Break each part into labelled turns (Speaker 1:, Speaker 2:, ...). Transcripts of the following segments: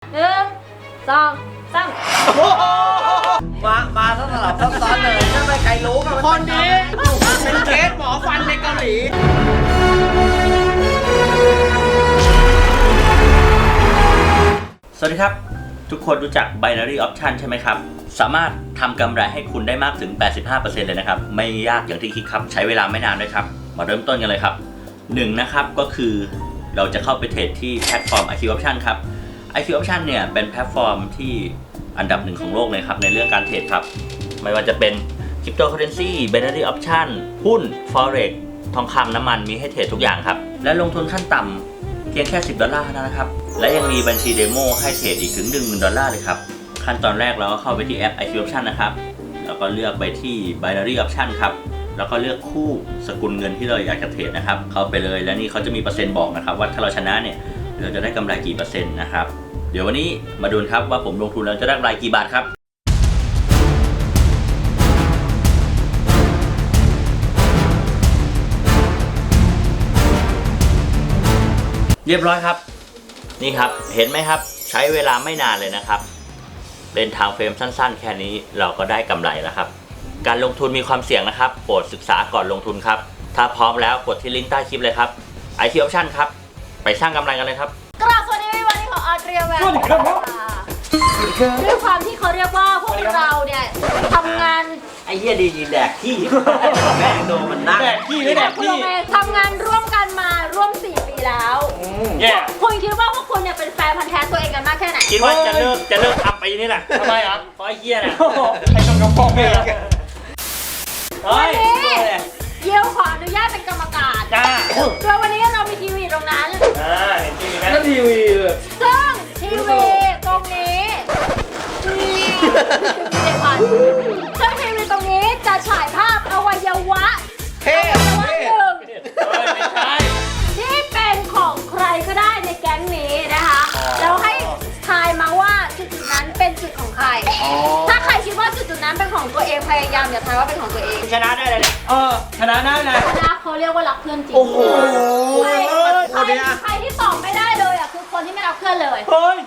Speaker 1: มาต้องสลับซับซ้อนเลยถ้าไม่ใครรู้กันคนนี้เป็นเคสหมอฟันในเกาหลี
Speaker 2: สวัสดีครับทุกคนรู้จัก Binary Option ใช่ไหมครับสามารถทำกำไรให้คุณได้มากถึง 85% เลยนะครับไม่ยากอย่างที่คิดครับใช้เวลาไม่นานด้วยครับมาเริ่มต้นกันเลยครับ1นะครับก็คือเราจะเข้าไปเทรดที่แพลตฟอร์ม IQ Option ครับ IQ Option เนี่ยเป็นแพลตฟอร์มที่อันดับหนึ่งของโลกเลยครับในเรื่องการเทรดครับไม่ว่าจะเป็น Cryptocurrency Binary Option หุ้น Forex ทองคำน้ำมันมีให้เทรดทุกอย่างครับและลงทุนขั้นต่ำเพียงแค่$10เท่านั้นนะครับและยังมีบัญชีเดโมให้เทรดอีกถึง$10,000เลยครับขั้นตอนแรกเราก็เข้าไปที่แอป IQ Option นะครับแล้วก็เลือกไปที่ Binary Option ครับแล้วก็เลือกคู่สกุลเงินที่เราอยากจะเทรดนะครับเข้าไปเลยแล้วนี่เขาจะมีเปอร์เซ็นต์บอกนะครับว่าถ้าเราชนะเนี่ยเราจะได้กำไรกี่เปอร์เซ็นต์นะครับเดี๋ยววันนี้มาดูครับว่าผมลงทุนแล้วจะได้กำไรกี่บาทครับเรียบร้อยครับนี่ครับเห็นไหมครับใช้เวลาไม่นานเลยนะครับเป็นไทม์เฟรมสั้นๆแค่นี้เราก็ได้กำไรแล้วครับการลงทุนมีความเสี่ยงนะครับโปรดศึกษาก่อนลงทุนครับถ้าพร้อมแล้วกดที่ลิงก์ใต้คลิปเลยครับ IQ Option ครับไปสร้างกำไรกันเลยครับ
Speaker 3: กราบสวัสดีวันนี้ของออเดรียแวนด้วยความที่เขาเรียกว่าพวกเราเนี่ยทำงาน
Speaker 1: ไอ้เหี้ยดียินแดกขี้แม่งโดนมันนัก
Speaker 4: แดกขี้ไม่แดกขี้
Speaker 3: ทำงานร่วมกันมาร่วม4 ปีแล้วคุณคิดว่าพวกคุณเนี่ยเป็นแฟนพันธุ์แท้ตัวเองกันมากแค่ไหน
Speaker 2: คิดว่าจะเลิกทำไปนี่แหละทำไมครับเพราะไอ้เหี้ยน่ะ
Speaker 4: ให้ต้องกำปองเลย
Speaker 3: วันนี้เยี่ยวขออนุญาตเป็นกรรมการโดยวันนี้เรามีทีวีตรงนั้น
Speaker 2: เห็นทีวีไหม
Speaker 4: นั่นทีวี
Speaker 3: ซึ่งทีวีตรงนี้ซึ่งทีวีตรงนี้จะฉายภาพอวัยวะหนึ่งที่เป็นของใครก็ได้ในแก๊งนี้นะคะแล้วให้ทายมาว่าจุดนั้นเป็นจุดของใครถ้าใครคิดว่าจุดนั้นเป็นของตัวเองพยายามอย่าทายว่าเป็นของตัวเอง
Speaker 2: ชนะได้เลย
Speaker 4: ชนะได้เลย
Speaker 3: ชนะเขาเรียกว่ารักเพื่อนจริง
Speaker 1: โอ้โห
Speaker 3: ใครที่ตอบไม่ได้เลยอ่ะคือคนที่ไม่รักเพื่อนเลย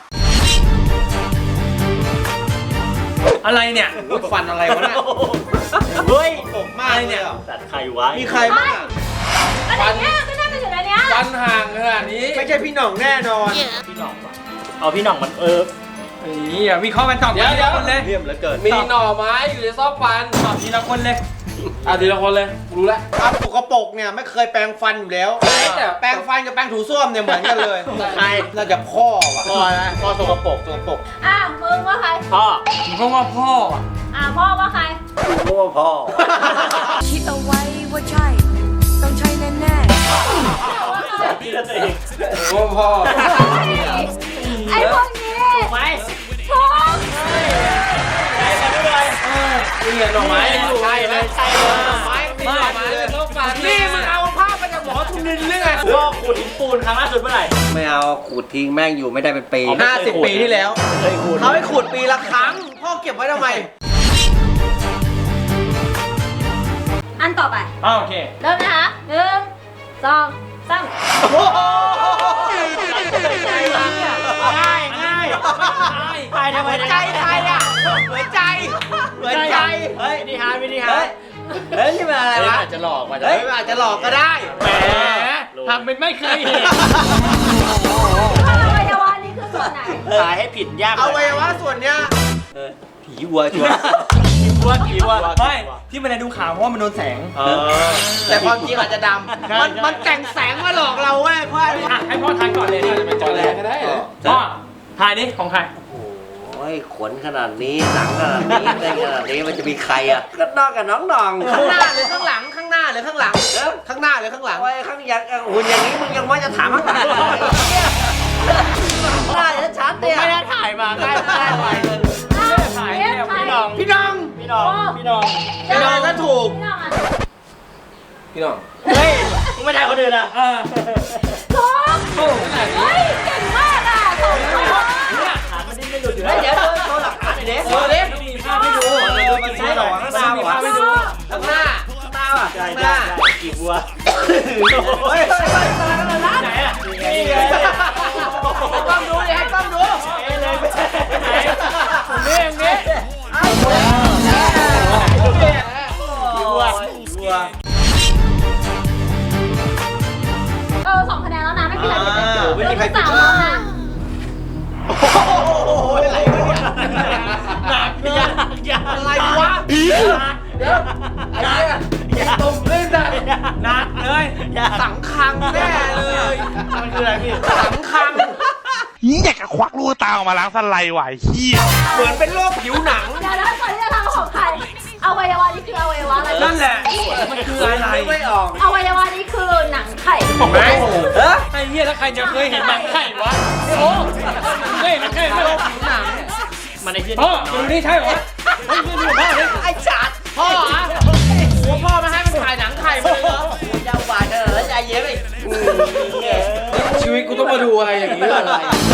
Speaker 4: อะไรเนี่ย
Speaker 1: ฟันอะไรวะเนี่ย
Speaker 2: เฮ้ย
Speaker 1: ผมมากเนี่ย
Speaker 2: สัตว์ใครวะ
Speaker 1: มีใครบ้าง
Speaker 3: อะไรเนี้ยก็น่าจะอยู่ในเนี้ย
Speaker 4: ฟันห่างขนาดนี้
Speaker 1: ไม่ใช่พี่หน่องแน่นอน
Speaker 2: พี่หน่องวะเอาพี่หน่องมัน
Speaker 4: นี่วิเคราะห์กันตอบทีละคนเลย
Speaker 1: เรียมเหลือเกิน
Speaker 4: มีหน่อไม้อยู่ในซอกฟันตอบทีละคนเลยทีละคนเลยรู้แล้ว
Speaker 1: ปกปกเนี่ยไม่เคยแปรงฟันอยู่แล้วแปรงฟันกับแปรงถูส้วมเนี่ยเหมือนกันเลย
Speaker 2: ใคร
Speaker 1: น่าจะพ่อว่ะ
Speaker 2: พ่อสกปรก
Speaker 3: มึงว่าใคร
Speaker 2: พ่อ
Speaker 4: เพราะว่าพ่อ
Speaker 3: พ่อว่าใคร
Speaker 2: พ่อ
Speaker 5: คิดเอาไว้ว่าใช่ต้องใช่แน่
Speaker 2: พี่ละเอง
Speaker 4: พ่อ
Speaker 3: ไอ้พวกนี้
Speaker 2: ไป
Speaker 3: พ่อ
Speaker 2: ใช่กันด้วย
Speaker 4: นี่หน่อไม้
Speaker 2: ใช่ไหมใช่
Speaker 4: หน่อไม้หน่อไม้เลยต้องฟัน
Speaker 1: นี่มึงเอาภาพไปจากหมอทุนินหรือไง
Speaker 2: พ่อขุดหินปูนครั้งล่าสุดเมื่อไหร่
Speaker 1: ไม่เอาขูดทิ้งแม่งอยู่ไม่ได้เป็นปี
Speaker 2: 50 ปีที่แล้ว
Speaker 1: เขาให้ขูดปีละครั้งพ่อเก็บไว้ทำไม
Speaker 3: อันต่อไป
Speaker 4: โอเค
Speaker 3: เริ่มนะคะ1 2 3
Speaker 2: ง่ายไปทำไม
Speaker 1: ใจใครอ่ะหัวใจ
Speaker 2: เฮ้ยนิทาน
Speaker 1: เฮ้ยนี่เป็นอะไรวะ
Speaker 2: อาจจะหลอกมา
Speaker 1: เฮ้ยอาจจะหลอกก็ได้
Speaker 4: แหมทำเป็นไม่เคยเห็น
Speaker 3: อวัยวะนี่คือส่วนไหน
Speaker 2: ขายให้ผิดยาก
Speaker 1: อวัยวะส่วนเนี้ย
Speaker 2: ผีวัวชัวร์ผีวัว
Speaker 4: ไม่ที่มันดูขาวเพราะว่ามันโดนแสง
Speaker 1: แต่ความจริงอาจจะดำมันแต่งแสงมาหลอกเราเว้ยพ่อ
Speaker 4: ให้พ่อทายก่อนเลยจะเป็นจอแรงก็ได้พ่อทายนี่ของใคร
Speaker 1: โอ้ยขนขนาดนี้หนังขนาดนี้อะไรขนาดนี้มันจะมีใครอ่ะก็นอกกับน้องนองข้างหน้าหรือข้างหลังข้างหน้าหรือข้างหลังข้างหน้าหรือข้างหลังโอ้ยข้างอย่างหุ่นอย่างนี้มึงยังว่าจะถามข้างหลังหน้าจะชัดเนี่ย
Speaker 2: ไม่ได้ถ่ายมาได้ไป
Speaker 1: พี่น้องก็ถูก
Speaker 4: พี่น้อง
Speaker 2: เฮ้ยมึงไม่ถ่ายคนอื่นอ่ะ
Speaker 3: ถูกเฮ้ยเก่งมากอ่ะถูก
Speaker 2: หามันดิ้นไม่หลุดอยู่
Speaker 1: เดี๋ยวโชว์หลักฐานหน่อยดิ
Speaker 2: มีภาพให้ดู
Speaker 1: มันใช่หรอข้างหน้ามีภาพให้ดูข้างหน้าอ่ะข้างหน้า
Speaker 2: กี่บัว
Speaker 1: เฮ้ยไหนอ่ะนี่ไงให้กล้องดูดิให้กล้องดู
Speaker 3: สาวน้องนะ
Speaker 1: โอ้โหอะไรวะเนี่ยหนักเลยอะไรวะเดี๋ยวไอ้เนี่ยตรงเล่นได้หนักเลยสังคังแน่เลยมันคืออะไรพี่สังคัง
Speaker 6: อยากจะควักลูกตาออกมาล้างสไลด์ไหวเฮีย
Speaker 1: เหมือนเป็นโรคผิวหนัง
Speaker 3: เดี๋ยวนะก่อนที่จะทำของใครอวัยวะนี่คืออวัยวะอะไร
Speaker 1: นั่นแหละมันคืออะไรไม่ออก
Speaker 3: อวัยวะนี่คือหนังไข่
Speaker 1: ไหมเออ
Speaker 4: ไอ้เหี้ยแล้วใครจะเคยเห็นหนังไข่วะโอ้เคยเห็นหนังไข่ไหมหนังมันไอ้เหี้ยพ่อดูนี่ใช่เหรอเฮ้ยดูพ่อเลย
Speaker 1: ไอ้จัด
Speaker 4: พ่ออ่ะหัวพ่อมาให้มันถ่ายหนังไข่มาเลยเหรอ
Speaker 1: เจ้าบาดใจเย็นไป
Speaker 4: ชีวิตกูต้องมาดูอะไรอย่างนี้อะไร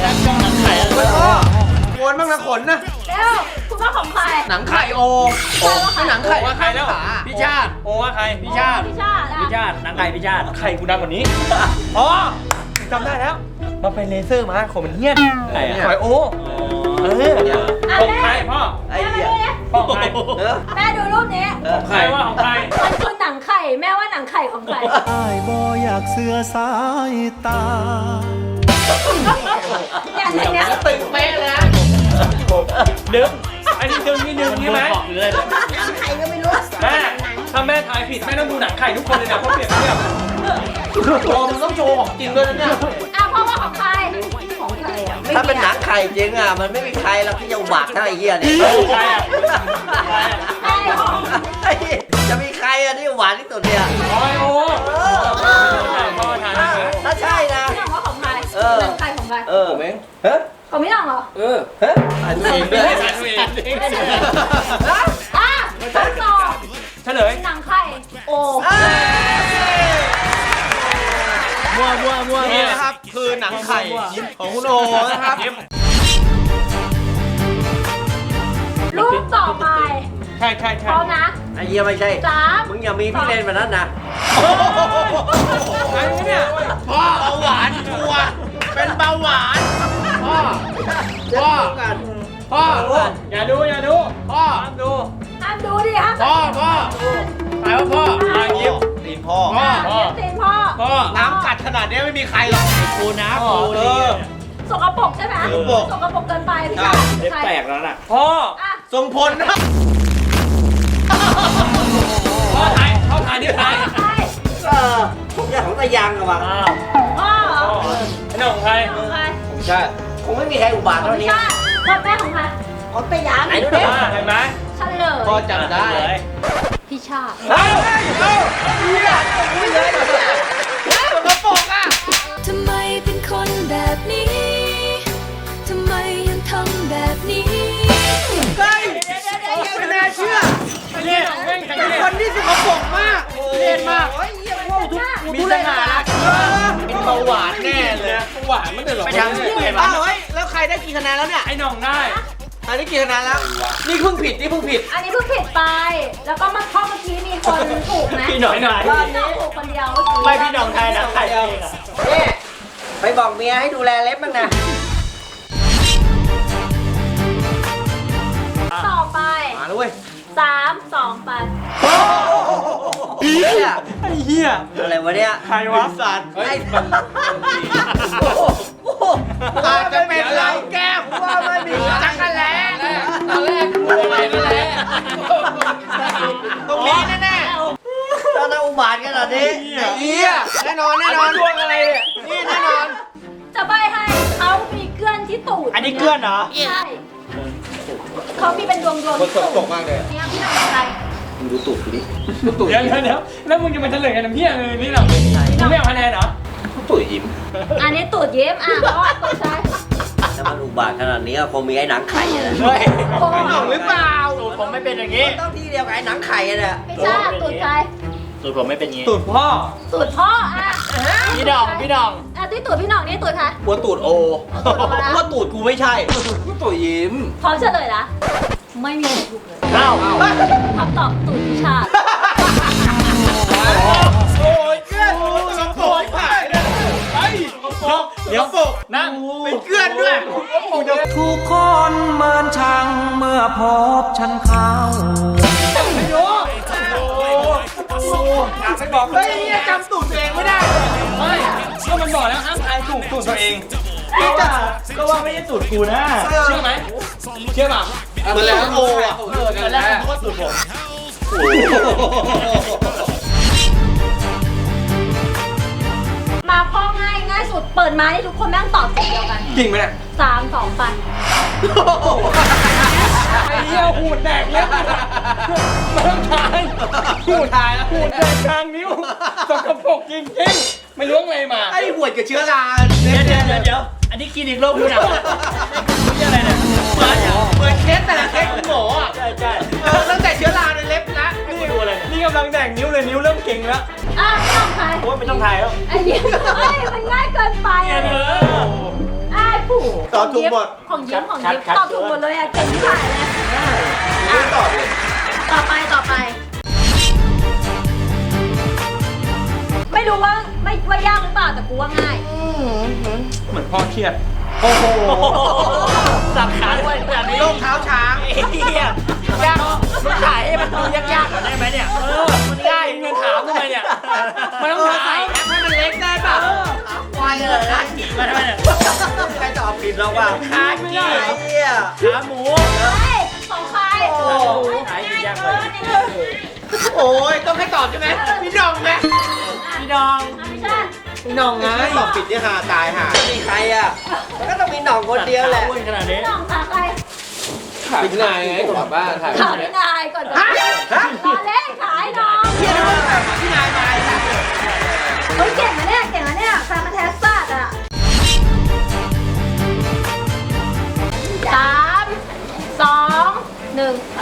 Speaker 1: โวนบ้างนะขนนะ
Speaker 3: เร็วคุณว่าของใคร
Speaker 4: หนังไข่โอ
Speaker 3: ใช่ว่าใคร
Speaker 4: หนังไข่ว่าใครแล้วพี่ชาติโอว่าใครพี่ชาติ
Speaker 3: พี่ชาติ
Speaker 2: พี่ชาตินางไก่พี่ชาติ
Speaker 4: ไข่กูดังกว่านี้อ๋อจำได้แล้วมาไปเลเซอร์มาขนมันเหี้ยน
Speaker 2: ใครอ่ะ
Speaker 4: ไข่โอของใครพ่อ
Speaker 1: ไอ้เหี้ย
Speaker 4: พ่อของใคร
Speaker 3: แม่ดูรูปนี้
Speaker 4: ของใครว่าของใคร
Speaker 3: มันคือหนังไข่แม่ว่าหนังไข่ของใคร
Speaker 7: อ้ายบ่อยากเสือสายตา
Speaker 3: เนี่ยในเนี้ย
Speaker 4: ตึงเป๊ะเลยนะดึงอันนี้ดึงนี่ดึงใช่ไหม
Speaker 2: บอกเลย
Speaker 3: หนังไข่ก็ไม่รู้
Speaker 4: แม่ถ้าแม่ทายผิดแม่ต้องดูหนังไข่ทุกคนเลยนะเพราะเปรียบเทียบโอ้มึงต้องโชว์ของจริงด้วยนะเนี่ย
Speaker 3: อ่ะพ่อว่าของใครของใครอ่ะ
Speaker 1: ถ้าเป็นหนังไข่จริงอ่ะมันไม่มีใครหรอกที่จะอุบัติเท่าไอ้เหี้ยเนี่ย
Speaker 4: ใครอ่ะ
Speaker 3: ไอ้ของ
Speaker 1: จะมีใครอ่ะที่หวานที่สุดเนี่ย
Speaker 4: โอ้ยโอ้พ่อทาย
Speaker 1: ถ้าใช่นะ
Speaker 3: พี่น้องว่าของใครหนังไข่ของใคร
Speaker 1: ผมเองเฮ้ย
Speaker 3: ของพี่น้องเหรอ
Speaker 1: เฮ้ยอ่านตัวเองด้วย
Speaker 4: ทายตัวเอง
Speaker 3: อ่ะทดสอบ
Speaker 4: เฉลย
Speaker 3: หนังไข่โอ้
Speaker 4: มัว
Speaker 1: นี่นะครับคือหนังไข่ของคุณโอนะครับ
Speaker 3: รูปต่อไป
Speaker 4: ใช่
Speaker 3: พร้อมนะ
Speaker 1: ไอ้เหี้ยไม่ใช่
Speaker 3: 3
Speaker 1: มึงอย่ามีพี่เลนแบบนั้นนะ
Speaker 4: ไอ้เนี่ย
Speaker 1: พ่อเบาหวานชัวเป็นเบาหวานพ่อกัน
Speaker 4: พ่ออย่าดูพ่อห้ามดู
Speaker 3: ห้ามดูดิห้าม
Speaker 4: พ่อตายว่าพ่อยิ้ม
Speaker 1: ตีนพ่อ
Speaker 3: ตีนพ่อ
Speaker 4: พ่อ
Speaker 1: น้ำกัดขนาดนี้ไม่มีใครหรอก
Speaker 2: กูนะ
Speaker 3: สกปรกใช่ไหมสกปรกเกินไปพี่ชายใคร
Speaker 2: แปลกแล้วน่ะ
Speaker 4: พ่อ
Speaker 3: อ่ะ
Speaker 1: ทรงพลนะ
Speaker 4: พ่อทายนี่ทาย
Speaker 3: ใคร
Speaker 1: ผมจะของตะยังอะวะ
Speaker 3: พ่อเหรอ
Speaker 4: ไอ้น้องใคร
Speaker 3: ของใคร
Speaker 1: ใช่คงไม่มีใครอุบาท
Speaker 3: ของ
Speaker 1: เท่า
Speaker 3: พี่
Speaker 1: นี้
Speaker 3: ชาติพ่อแม่ของใครของตะยัง
Speaker 1: ไหนดูดิ
Speaker 4: เห็นไหม
Speaker 3: เฉลย
Speaker 1: พ่อจำได้
Speaker 3: พี่ชาติ
Speaker 1: เฮ้ยสกปรกอ่ะ
Speaker 5: ทำไมเป็นคนแบบนี้ ทำไมยังทำแบบนี้
Speaker 1: เฮ้ยไม่น่าเชื่อ
Speaker 4: เนี่ยแม่งทั้ง
Speaker 1: เป็น
Speaker 4: เนี่ย
Speaker 1: คนที่สกปรกมากเล่นมากเฮ้ยเยี่ยมว่าทุกมีปัญหาเป็นเบาหวานแน่เลย
Speaker 4: หวานมันเดือดหรอ
Speaker 1: ไปทางนี้อ้าวเฮ้ยแล้วใครได้กี่คะแนนแล้วเนี่ย
Speaker 4: ไอ้น้องได้
Speaker 1: อันนี้กี่คะแนนแล้ว นี่เพิ่งผิด นี่เพิ่งผิด
Speaker 3: อันนี้เพิ่งผิดไป แล้วก็มาข้อเมื่อกี้มีคนถูกไหม
Speaker 2: พี่หน่อย
Speaker 3: พี่น้องถูกคนเดียวเมื่อกี้
Speaker 2: ไม่พี่หน่องไทยนะไข่เองอ่ะ
Speaker 1: นี่ไปบอกเมียให้ดูแลเล็บบ้างนะ
Speaker 3: ต่อไป
Speaker 1: มาแล้วเว้ย
Speaker 3: 3 2 ไป
Speaker 1: เฮีย
Speaker 4: ไอ้เหี้ย
Speaker 1: อะไรวะเนี่ย
Speaker 4: ใครวะ
Speaker 1: สัตว์ไอ้อาจจะเป็นเราแก้มว่าไม่มีจักรแล้
Speaker 4: ตอนแรกกูอะไรนั่นแหละ
Speaker 1: ตรงนี้แน่ๆตอนนั้นอุบาทขนาดนี้ไอ้เหี้ยแน่นอนแน่นอน
Speaker 4: ดวงอะไรเนี่ย
Speaker 1: นี่แน่นอน
Speaker 3: จะใบให้เขามีเกลื่อนที่ตูด
Speaker 2: อันนี้เกลือนเหรอ
Speaker 3: ใช่เขามีเป็นดวงที่ตูด
Speaker 1: ตกมากเลย
Speaker 3: เนี่ยพี่น้องใคร
Speaker 1: ดูตูดกูดิ
Speaker 4: เดี๋ยวแล้วมึงจะมาเฉลยกันน้ำเหี้ยเลยนี่หรอมึงไม่เอาคะแนนเหรอ
Speaker 1: ตูดยิ้ม
Speaker 3: อันนี้ตูดเย็บเพราะว่าตูดใช่
Speaker 1: ถ้ามันอุบาทขนาดนี้ก็คงมีไอ้หนังไข่อะ
Speaker 2: เฮ้ย
Speaker 3: โอ้
Speaker 1: หนังหรือเปล่า
Speaker 2: สูตรผมไม่เป็นอย่างนี้
Speaker 1: ต้องที่เดียวกับไอ้หนังไข่อะเนี่ย
Speaker 3: พี่ชาตูดใคร
Speaker 2: สูตรผมไม่เป็นอย่างนี้
Speaker 4: ตูดพ่อ
Speaker 3: ตูดพ่ออ่ะ
Speaker 2: พี่ดอง
Speaker 3: อ่ะที่ตูดพี่น้องนี่ตูดใคร
Speaker 1: หัวตูดโอ
Speaker 3: ตูดโอนะ
Speaker 1: ว่าตูดกูไม่ใช่ตูดยิ้ม
Speaker 3: พร้อมเฉลยนะไม่มีใครถูกเลย
Speaker 2: เอ้า
Speaker 3: คำตอบตูดพี่ชาติ
Speaker 1: โอ้ยเกลือนสกปรกผ่านไอ้เดี๋ยวปก
Speaker 4: นั่ง
Speaker 1: เป็นเกลือนด้วย
Speaker 7: ทุกคนเมินช่างเมื่อพบฉันเข้า
Speaker 4: ไม่รู้อยากไปบอก
Speaker 1: เฮ้ยเนี่ยจำตูดตัวเองไม่ได้
Speaker 4: ไม่ก็มันบอกแล้วห้ามทายถูกสูตรตัวเอง
Speaker 2: ก็ว่าไม่ใช่สูตรกูนะ
Speaker 4: เชื่อไหมเชื่อเปล่า
Speaker 1: เหมือนแล้วโอ้อะ
Speaker 2: ตอนแรกผมก็สูตรผม
Speaker 3: มาข้อง่ายง่ายสุดเปิดมาที่ทุกคนแม่งตอบสิ่งเดียวกัน
Speaker 4: จริงไหมเนี่ย
Speaker 3: 3 2 ปัน
Speaker 4: ไอ้เหี้ยหูดแดกเล็บไม่ต้องทายหูดแล้วหูดแดกกลางนิ้วสกปรกจริงๆไม่รู้อะไรมา
Speaker 1: ไอ้หวดกับเชื้อรา
Speaker 2: เดี๋ยวอันนี้คลินิกโรคผิวหนังนี่อะไรเนี่ย
Speaker 1: เหมือนเคสแต่ละเคสของหมออ่ะ
Speaker 2: ใช่
Speaker 1: ตั้งแต่เชื้อราในเล็บนะ
Speaker 2: นี่ดูอะไรเนี่ย
Speaker 4: นี่กำลังแดกนิ้วเลยนิ้วเริ่มเก่งแล้ว
Speaker 3: อ่ะไม่ต้องใคร
Speaker 2: โอ้ยไม่ต้องถ่ายแล้ว
Speaker 3: ไอ้ยิ้มเฮ้ยมันง่ายเกินไปอ่ะไอ้ผู้
Speaker 1: ตอบถูกหมด
Speaker 3: ของยิ้มตอบถูกหมดเลยอ่ะเก่งที่สุดเลยอ่ะ
Speaker 1: ตอบเลย
Speaker 3: ต่อไปไม่รู้ว่ายากหรือเปล่าแต่กูว่าง่าย
Speaker 4: เหมือนพ่อเครียด
Speaker 1: โอ้โห
Speaker 2: สับขาด้วยแบบนี้
Speaker 1: โรคเท้าช้าง
Speaker 2: ไอ้เหี้ยยากมันถ่ายให้มันดูยากๆหน่อยได้ไหมเนี่ยมันง่าย
Speaker 4: เงินถามทำไมเนี่ยมันต้องถาม
Speaker 1: ให้มันเล็กได้ป่ะควายเลยนะ
Speaker 2: มาทำไมเนี่ย
Speaker 1: ใครตอบผิดแล้วป่ะ
Speaker 2: ขาเกีย
Speaker 1: ไอ้เหี้ย
Speaker 2: ขาหมู
Speaker 3: เฮ้ยของใคร
Speaker 1: โอ้
Speaker 3: ง่ายเกิน
Speaker 1: โอ้ยต้องให้ตอบใช่ไหมพี่น้องไหม
Speaker 2: พี่ดอง
Speaker 3: ไม่ใช่
Speaker 1: พี่น้องไงตอบผิดที่หาตายหามีใครอ่ะก็ต้องมีหน่องคนเดียวแหละ
Speaker 2: อ้วนขนาดนี้
Speaker 3: น้องถามใคร
Speaker 4: ถามพี่นายไงกลับบ้านถ่าย
Speaker 3: ถามนายก่อนจะรอเล่นขายน้อง
Speaker 1: พี่น้องพี่นายมา
Speaker 3: เฮ้ยเก่งนะเนี่ยแฟนมาแทสซัดอ่ะ3 2 1ไป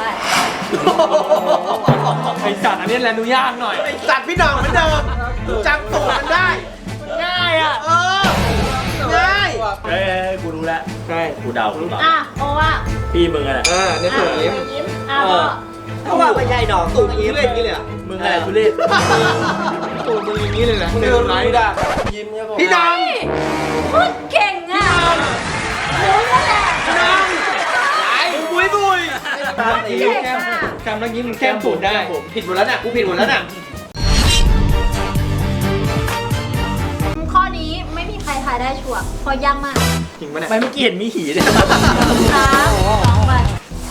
Speaker 4: ไอสัตว์อันนี้แหละดูยากหน่อย
Speaker 1: ไอสัตว์พี่น้องเหมือนเดิมจำตัวมันได้
Speaker 2: ง่ายอ่ะ
Speaker 1: เออง่าย
Speaker 2: เฮ้ยกูรู้แล้ว
Speaker 4: ใช่
Speaker 2: กูเดา
Speaker 3: อ่ะโอ้ว่า
Speaker 2: พี่มึงอะไร
Speaker 4: เนี่ยส่วนยิ้ม
Speaker 3: ยิ้มอ่ะพ่อ
Speaker 1: เพราะว่าไม่ใช่ดอกตูอย่างนี้เล่นอย่างนี้เลย
Speaker 2: มึงอะไรทุเรศ
Speaker 4: ตัวมึงอย่างนี้เลยนะ
Speaker 1: มึง
Speaker 4: เดิ
Speaker 1: เดิ
Speaker 4: น
Speaker 1: น
Speaker 4: ไล
Speaker 1: ไล่
Speaker 4: ฟ์
Speaker 1: ด่ายิ้มเนี่ยพี่น้อง
Speaker 3: พูดเก่งอ่ะรู้แล้วแหละ
Speaker 1: พี่น้องไอ้บุยบุยตาตี
Speaker 3: เก่งอ่ะ
Speaker 4: จำแล้วยิ้มแก้มปูดได้
Speaker 1: ผิดหมดแล้วน่ะกูผิดหมดแล้วน่ะ
Speaker 3: ข้อนี้ไม่มีใครทายได้ชัวร์เพราะยากมาก
Speaker 4: จริงปะเนี่ย
Speaker 2: ไม่เมื่อกี้เห็นมีหีเนี่ย
Speaker 3: 3 2ไป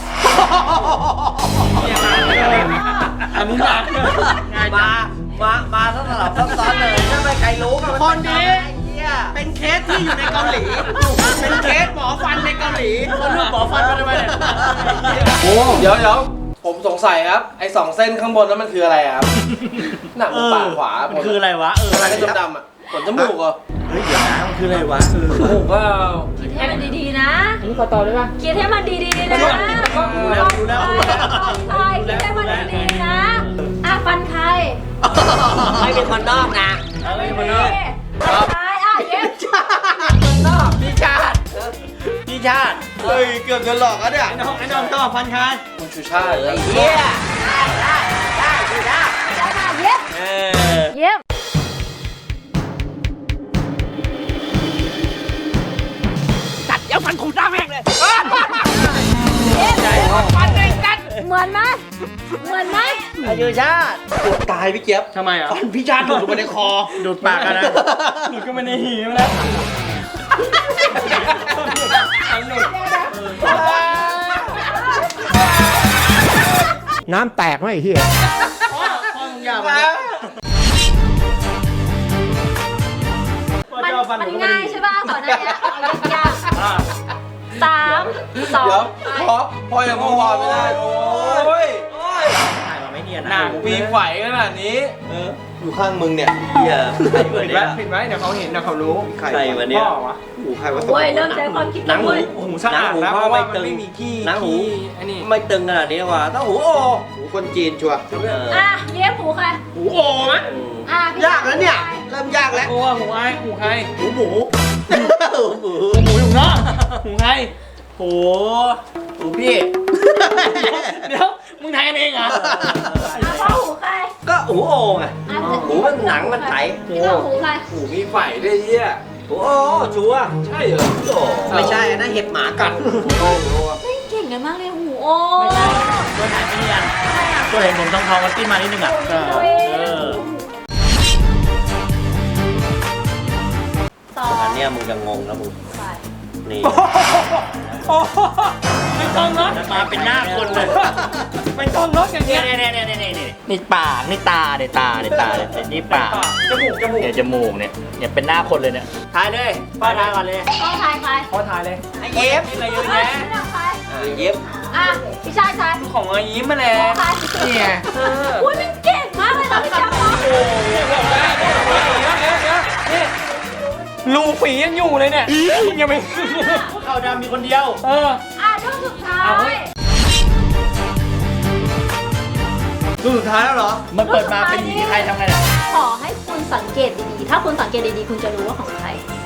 Speaker 4: อันนี้หนัก
Speaker 1: มาทั้งสลับซับซ้อนเลยถ้าไม่ใครรู้กันคนนี้เป็นเคสที่อยู่ในเกาหลี เป็นเคสหมอฟันในเกาหลี
Speaker 2: คนรูปหมอฟันมาทำไมเนี่ย
Speaker 8: โอ้เดี๋ยวผมสงสัยครับไอ้2 เส้นข้างบนนั้นมันคืออะไรครับ หนังปากขวา
Speaker 2: มันคืออะไรวะ
Speaker 8: อะไรดำๆอ่ะขนจมูกเหรอ
Speaker 2: เฮ้ยเดี๋ยวนะมันคืออะไรวะ
Speaker 8: จมูกก็
Speaker 3: คิดให้มันดีๆนะ
Speaker 4: อันนี้ขอต่อได้ปะ
Speaker 3: คิดให้มันดีๆนะ
Speaker 2: รู้แล้ว
Speaker 3: ใช่คิดให้มันดีๆนะอ่ะฟันใคร
Speaker 1: ไม่เป็นคนนอกนะ
Speaker 2: อะไรมาเนาะ
Speaker 3: ฟันใครอ่ะเย็บ
Speaker 1: คนนอกพี่ชาติ
Speaker 2: พี่ชาติ
Speaker 1: เฮ้ยเกือบจะหลอกแล้วเนี่ย
Speaker 4: ไอ้น้องต่อพันคาย
Speaker 8: คุณชูชาติครับ
Speaker 1: เฮีย
Speaker 3: ได้มาเย็บ
Speaker 2: เออ
Speaker 3: เย็บ
Speaker 1: เดี๋ยวฟันขูดหน้าแม่งเลย
Speaker 3: ฟันเองกันเหมือนไหม
Speaker 1: ไอ้ยูชาติปวดตายพี่เจี๊ยบ
Speaker 4: ทำไมอ่ะ
Speaker 1: ฟันพี่ชาติหลุดลงไปในคอ
Speaker 2: ดูดปากกันนะ
Speaker 4: หลุดก็ไม่ในหีมแล้วอันหลุด
Speaker 7: น้ำแตกไหมไอ้เหี้ย
Speaker 4: พ่อมึงอย่ามา
Speaker 3: มันง่ายใช่ป่ะก่อนหน้านี้เอายากๆ3 2
Speaker 8: เดี๋ยวพอยังมองพอไม่ได้โอ้ย
Speaker 2: ถ่ายมาไม่เนียน
Speaker 4: หนัก
Speaker 8: มีไฝขนาดนี้อยู่ข้างมึงเนี่ย
Speaker 2: เฮียใครวะ
Speaker 4: ผิด
Speaker 2: เนี่
Speaker 4: ไว้
Speaker 2: ย
Speaker 4: ผิดไว้เดี๋ยวเขาเห็นเดี๋ยวเขารู้
Speaker 2: ใครวะเนี่ย
Speaker 4: พ่อวะ
Speaker 1: หูใครวะ
Speaker 3: โอ้ยเริ่มใช้ความคิด
Speaker 2: หนังหู
Speaker 3: เว้ย
Speaker 4: หูสะอาดนะเพราะว่ามันไม่มีขี้
Speaker 2: หนังหู
Speaker 4: อันนี้
Speaker 1: ไม่ตึงขนาดนี้ว่ะต้องหูโอหูคนจีนชัวร์
Speaker 3: อ่ะเย็บหูใคร
Speaker 4: หูโอ้ไหม
Speaker 3: อ่ะพี่
Speaker 1: ยากแล้วเนี่ย เริ่มยากแล้ว
Speaker 4: โอ้หูไอ้หูใคร
Speaker 1: หูหมูหูหมู
Speaker 4: หูอยู่นอกหูใคร
Speaker 2: โหหูพี่
Speaker 4: เดี๋ยวมึงทายกันเองเหรอ
Speaker 3: อ่ะพ่อหูใคร
Speaker 1: ก็หูโอไง
Speaker 3: อ่ะ
Speaker 1: หูมันหนังมันไถ
Speaker 3: พี่พ่อหูใคร
Speaker 8: หูมีไฝด้วยเหี้ย
Speaker 1: หูโอชัวร์
Speaker 8: ใช่เหรอ
Speaker 1: โอ้ไม่ใช่นะเห็บหมากัด
Speaker 3: ไม่เก่งกันมากเลยหูโอ
Speaker 2: ไม่ใช่ตัวไหนไม่เนียนตัวเห็นผมทองมันติ้นมานิดนึงอ่ะ
Speaker 3: ตัวเอง
Speaker 2: เออ
Speaker 1: เนี้ยมึงจะงงแล้วมึง
Speaker 3: ไป
Speaker 1: นี่
Speaker 4: โอ้โหไม่ต้องรถ
Speaker 2: มาเป็นหน้าคนเลย
Speaker 4: ไม่ต้องรถอย่าง
Speaker 2: เนี่
Speaker 4: เงี้
Speaker 2: ย
Speaker 4: ย
Speaker 2: นี่ปากนี่ตาเนี่ยนี่ปาก
Speaker 4: จมูก
Speaker 2: เนี่ยจมูกเนี่ยเป็นหน้าคนเลยเนี่ยทายเลยป้าทายก่อนเลย
Speaker 3: ต้องทายใคร
Speaker 4: พอถ่ายเลย
Speaker 1: ไอ้เย็บ
Speaker 4: อะไรเยอะแยะ
Speaker 3: ไม่ต้องใคร
Speaker 1: เย็บ
Speaker 3: อ่ะพี่ชายชัน
Speaker 4: ของอายิ้มมาแล้ว
Speaker 3: ใคร
Speaker 4: เนี่ย
Speaker 3: อุ้ยมันเก่งมากเลยนะพี่แจ๊คเนาะ
Speaker 4: นี่รูฝียังอยู่เลยเนี่ยยังไม่
Speaker 2: เข้าดำมีคนเดียว
Speaker 4: เออ
Speaker 3: อ่ะช่วงสุดท้าย
Speaker 8: รูปสุดท้ายแล้วเหรอ
Speaker 2: มันเปิดมาเป็นผีใครทำไงล่ะ
Speaker 3: ขอให้คุณสังเกตดีๆ ถ้าคุณสังเกตดีๆ คุณจะรู้ว่าของใคร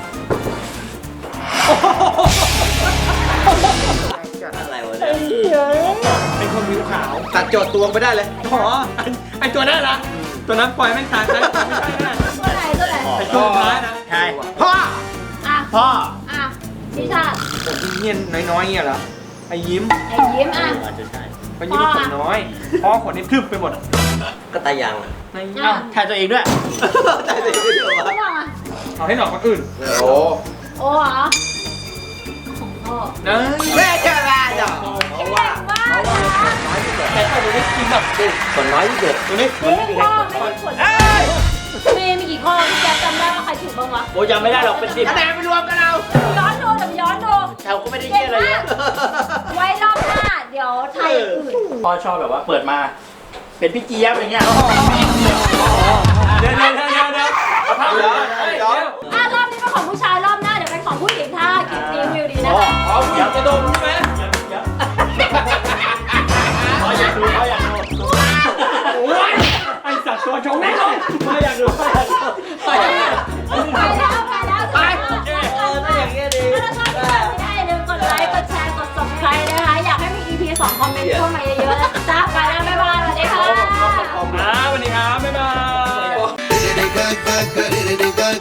Speaker 1: อะไรวะเนี่ย
Speaker 4: เป็นคนผิวขาว
Speaker 8: ตัดโจทย์ตัวไปได้เลย
Speaker 4: อ๋อไอตัวนั้นนะตัวนั้นปล่อยแม่งตายไปไม่ใช่นะ
Speaker 3: ตัวไหนตัวไหน
Speaker 4: ไอตัวสุดท้ายนะ
Speaker 2: ใช่
Speaker 8: พ่อ
Speaker 3: อ่ะ
Speaker 2: พ่อ
Speaker 3: อ่ะพี่ชาติ
Speaker 4: ผมเงี้ยน้อยๆเงี้ยเหรอไอยิ้ม
Speaker 3: ไอ้ยิ้มอ่ะ
Speaker 2: อาจจะใช่
Speaker 4: ไอยิ้มขนน้อยพ่อขนนี่ทึบไปหมด
Speaker 1: ก็ตายังอะ
Speaker 4: ใน
Speaker 2: อ้าวทายตัวเองด้วย
Speaker 1: ตายเลยไม่เดียว
Speaker 3: ไม่
Speaker 1: วะ
Speaker 3: บอกอ่ะ
Speaker 4: เอาให้หลอกคนอื่น
Speaker 8: โอ้
Speaker 3: โอ้เหรอของพ่อ
Speaker 4: นะ
Speaker 1: แม่แค่แม่จ้ะเพราะว่า
Speaker 3: เก่งมากนะ
Speaker 4: แต่ถ้าดูได้กินแบบ
Speaker 1: คนน้อยที่สุด
Speaker 4: ตัวนี้
Speaker 3: เฮ้ยพ่อไม่มีผลมีกี่ข้อพี่แจ๊คจำได้ว่าใครถูกบ้างวะ
Speaker 2: โอ้ยยังไม่ได้หรอกเป็น10
Speaker 1: คะแนนไปรวมกันเอา
Speaker 3: ย้อนดูเดี๋ยวย้อนดู
Speaker 2: แถวก็ไม่ได้
Speaker 3: เก่
Speaker 2: เยี่
Speaker 3: ง
Speaker 2: ยอะไร
Speaker 3: มา
Speaker 2: เย
Speaker 3: ก
Speaker 2: อะ
Speaker 3: ไว้รอบหน้า เดี๋ยวไทยอื่น
Speaker 2: พ่อชอบแบบว่าเปิดมาเป็นพี่เจี๊ยบอย่างเงี้ย
Speaker 4: เดี๋ยว
Speaker 3: อ่ะรอบนี้เป็นของผู้ชายรอบหน้าเดี๋ยวเป็นของผู้หญิงถ้าคลิปนี้วิวดีนะคะ
Speaker 4: เอาผู้หญิงจะดมใช่ไหม
Speaker 2: พ่ออยากดู
Speaker 4: โอ้ยไอสัตว์ตัวชงแน่นอนไม่อยากดู